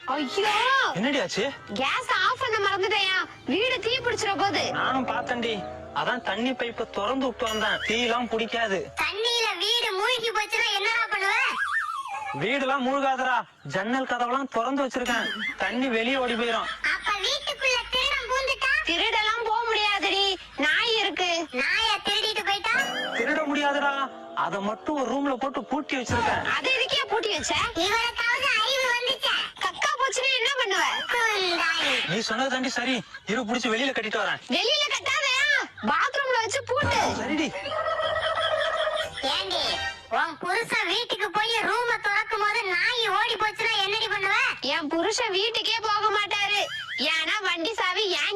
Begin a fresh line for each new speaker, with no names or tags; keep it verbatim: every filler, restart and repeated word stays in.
ஐயோ
என்னடி ஆச்சு?
கேஸ் ஆஃப் பண்ண மறந்துட்டேயா, வீடு தீ பிடிச்சிர போகுது.
நானும் பார்த்தேன்டி, அதான் தண்ணி பைப்ப திறந்து விட்டு வந்தேன். தீ எல்லாம் பிடிக்காது.
தண்ணியில வீடு மூழ்கி போச்சுன்னா என்னடா பண்ணுவ?
வீடுலாம் மூழ்காதரா, ஜன்னல் கதவெல்லாம் திறந்து வச்சிருக்கேன். தண்ணி வெளியே ஓடி போயிரும்.
அப்ப வீட்டுக்குள்ள திருடம் பூந்துட்டா?
திருடெல்லாம் போக முடியாதுடி, நாய் இருக்கு.
நாய திருடிட்டு போயிட்டா?
திருட முடியாதுடா, அத மட்டும் ஒரு ரூம்ல போட்டு பூட்டி வச்சிருக்கேன்.
அது எதுக்கே பூட்டி வச்ச?
இவனுக்காவது அறிவு வந்துச்சா?
கக்கா போச்சுன்னா என்ன பண்ணுவ?
குந்தாணி.
நீ சொன்னது தாண்டி சரி, இரு புடிச்சு வெளியில கட்டிட்டு வரேன்.
வெளியில கட்டாதயா, பாத்ரூம்ல வச்சு பூட்டு.
சரிடி.
ஏண்டி உன் புருஷன் வீட்டுக்கு போய் ரூம திறக்கும் போது நாய் ஓடி போச்சுன்னா என்னடி பண்ணுவ?
என் புருஷன் வீட்டுக்கே போக மாட்டாரு, ஏன்னா வண்டி சாவி என்